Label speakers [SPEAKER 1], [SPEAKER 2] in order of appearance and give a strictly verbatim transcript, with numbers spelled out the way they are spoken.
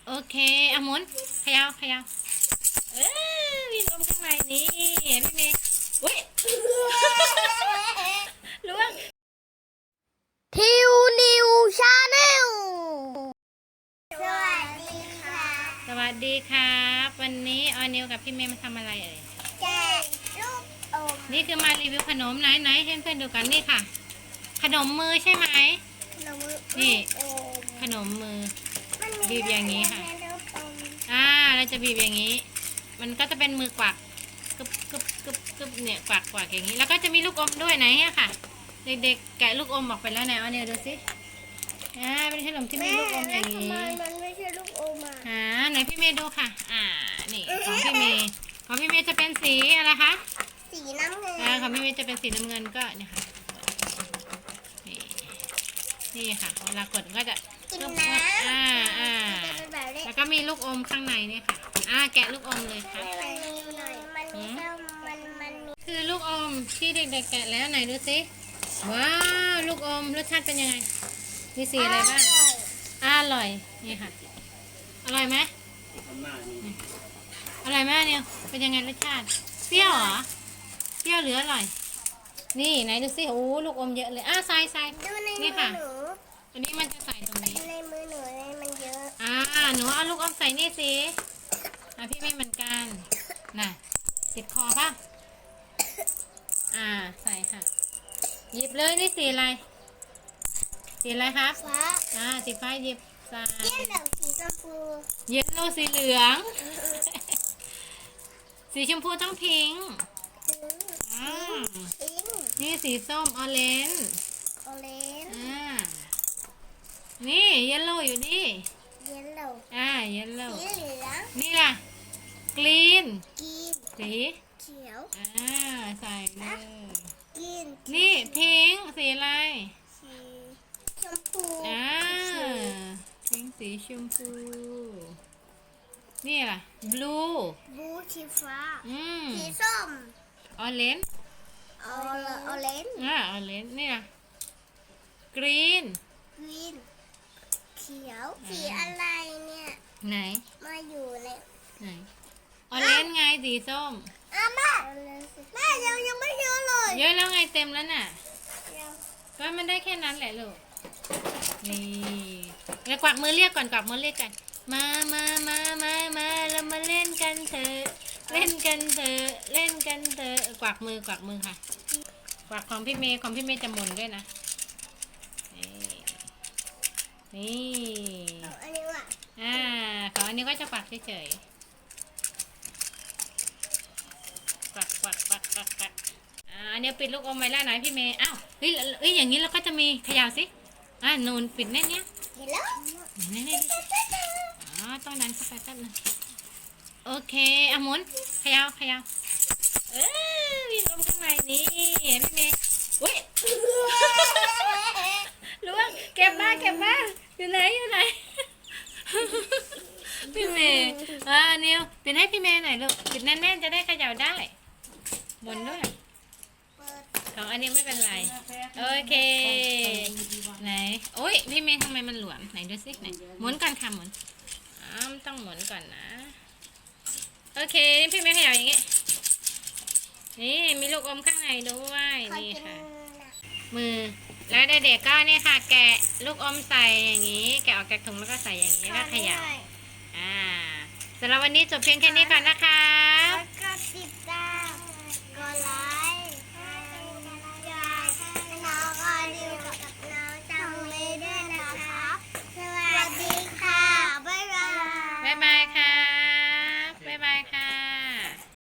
[SPEAKER 1] โอเคเอาหมุนเขยาวขยาวเอ้ยมีลมข้างในนี่พี่เมย์อุ้ยล่วง
[SPEAKER 2] ทิวนิวชาแนลสวัสดีค่ะ
[SPEAKER 1] สวัสดีครับวันนี้ออนิวกับพี่เมย์มาทำอะไรเอ่ย
[SPEAKER 2] แกะลูกอม
[SPEAKER 1] นี่คือมารีวิวขนมไหนไหนให้เพื่อนดูกันนี่ค่ะขนมมือใช่ไหมนี่ขนมมือบีบอย่างนี้ค่ะอ่าเราจะบีบอย่างนี้ มันก็จะเป็นมือกวักกึบกึบกึบกึบเนี่ยกวักกวักอย่างนี้แล้วก็จะมีลูกอมด้วยไหนเนี่ยค่ะเด็กๆแกะลูกอมออกไปแล้วไหนเอาเนี่ยดูสิอ่าเป็นขนมที่มีลูกอมอย่างนี้
[SPEAKER 2] มันไม่ใช่ลูกอมอ่ะ
[SPEAKER 1] อ่าไหนพี่เมย์ดูค่ะอ่านี่ของพี่เมย์ของพี่เมย์จะเป็นสีอะไรคะ
[SPEAKER 2] สีน้ำเงิน
[SPEAKER 1] อ่าของพี่เมย์จะเป็นสีน้ำเงินก็เนี่ยค่ะนี่นี่ค่ะเวลากดก็จะ
[SPEAKER 2] กินน้ำ
[SPEAKER 1] อ่าอ่าแล้วก็มีลูกอมข้างในเนี่ยค่ะอ่าแกะลูกอมเลยค่ะคือลูกอมที่เด็กๆแกะแล้วไหนดูสิว้าวลูกอมรสชาติเป็นยังไงมีสีอะไรบ้างอร่อยนี่ค่ะอร่อยไหมอร่อยไหมเนี่ยเป็นยังไงรสชาติเปรี้ยวเหรอเปรี้ยวหรืออร่อยนี่ไหนดูสิโอ้ลูกอมเยอะเลยอ่ะใส่ใส่นี่ค่ะอันนี้มันจะใส่ตรงนี้
[SPEAKER 2] ในมือหนูเลยมันเยอะ
[SPEAKER 1] อ่าหนูเอาลูกอมใส่นี่สิอ่ะพี่ไม่เหมือนกันน่ะติดคอป่ะอ่าใส่ค่ะหยิบเลยนี่สีอะไรสีอะไรครับ
[SPEAKER 2] ฟ้า
[SPEAKER 1] อ่าสีฟ้าหยิบใส่
[SPEAKER 2] เย็นเหลืองสีชมพู
[SPEAKER 1] เยลโล่สีเหลืองสีชมพูต้องพิงค์อ่านี่สีส้มออเรนจ์
[SPEAKER 2] ออเรนจ์
[SPEAKER 1] อ่านี่เยลโล่อยู่นี่
[SPEAKER 2] เย็นเหลือง
[SPEAKER 1] อ่าเยลโล่
[SPEAKER 2] สีเหลือง
[SPEAKER 1] นี่ล่ะกรีน
[SPEAKER 2] กรีน
[SPEAKER 1] สี
[SPEAKER 2] เขียว
[SPEAKER 1] อ่าใส่เลย
[SPEAKER 2] กรีน
[SPEAKER 1] นี่พิงค์สีอะไร
[SPEAKER 2] สีชมพู
[SPEAKER 1] อ่าพิงค์สีชมพูนี่ล่ะบลู
[SPEAKER 2] บลูสีฟ้า
[SPEAKER 1] อืม
[SPEAKER 2] สีส้ม
[SPEAKER 1] ออเรนจ์
[SPEAKER 2] ออเรนจ์
[SPEAKER 1] อ่าออเรนจ์นี่ล่ะกรีน
[SPEAKER 2] กรีนเขียวสีอะไรเนี่ย
[SPEAKER 1] ไหน
[SPEAKER 2] มาอยู่ใน
[SPEAKER 1] ไหนออเรนจ์ไงสีส้ม
[SPEAKER 2] อ่ะแม่แม่ยังยังไม่เยอะเลย
[SPEAKER 1] เยอะแล้วไงเต็มแล้วน่ะก็มันได้แค่นั้นแหละลูกนี่แล้วกวักมือเรียกก่อนกวักมือเรียกกันมามามามามาเรามาเล่นกันเถอะเล่นกันเถอะเล่นกันเถอะกวักมือกวักมือค่ะกวักของพี่เมย์ของพี่เมย์จะหมุนด้วยนะนี่
[SPEAKER 2] อันนี้ว่ะ
[SPEAKER 1] อ่าของอันนี้ก็จะกวักเฉยๆกวักกวักกวักกวักกวักอ่าอันนี้ปิดลูกอมไว้แล้วไหนพี่เมย์อ้าวเฮ้ยเฮ้ยอย่างนี้เราก็จะมีขยาวสิอ่านูนปิดแน่นเนี้ย
[SPEAKER 2] เห็นแล้ว
[SPEAKER 1] แน่แน่อ๋อต้องดันเข้าไปแป๊บนึงโอเคอ่ะหมุนขยาวขยาวเอ้ยมีลมข้างในนี่พี่เมย์อุ้ยล่วงเก็บมาเก็บมาอยู่ไหนอยู่ไหนพี่เมย์อ่านิวปิดให้พี่เมย์หน่อยลูกปิดแน่นๆจะได้เขย่าได้หมุนด้วยของอันนี้ไม่เป็นไรโอเคไหนโอ้ยพี่เมย์ทำไมมันหลวมไหนดูสิไหนหมุนก่อนค่ะหมุนอ้าวต้องหมุนก่อนนะโอเคพี่เมย์เขย่าอย่างงี้นี่มีลูกอมข้างในด้วยนี่ค่ะมือแล้วเด็กๆก็นี่ค่ะแกะลูกอมใส่อย่างนี้แกะออกจากถุงแล้วก็ใส่อย่างนี้แล้วขยำอ่าสำหรับวันนี้จบเพียงแค่นี้ก่อนนะคะ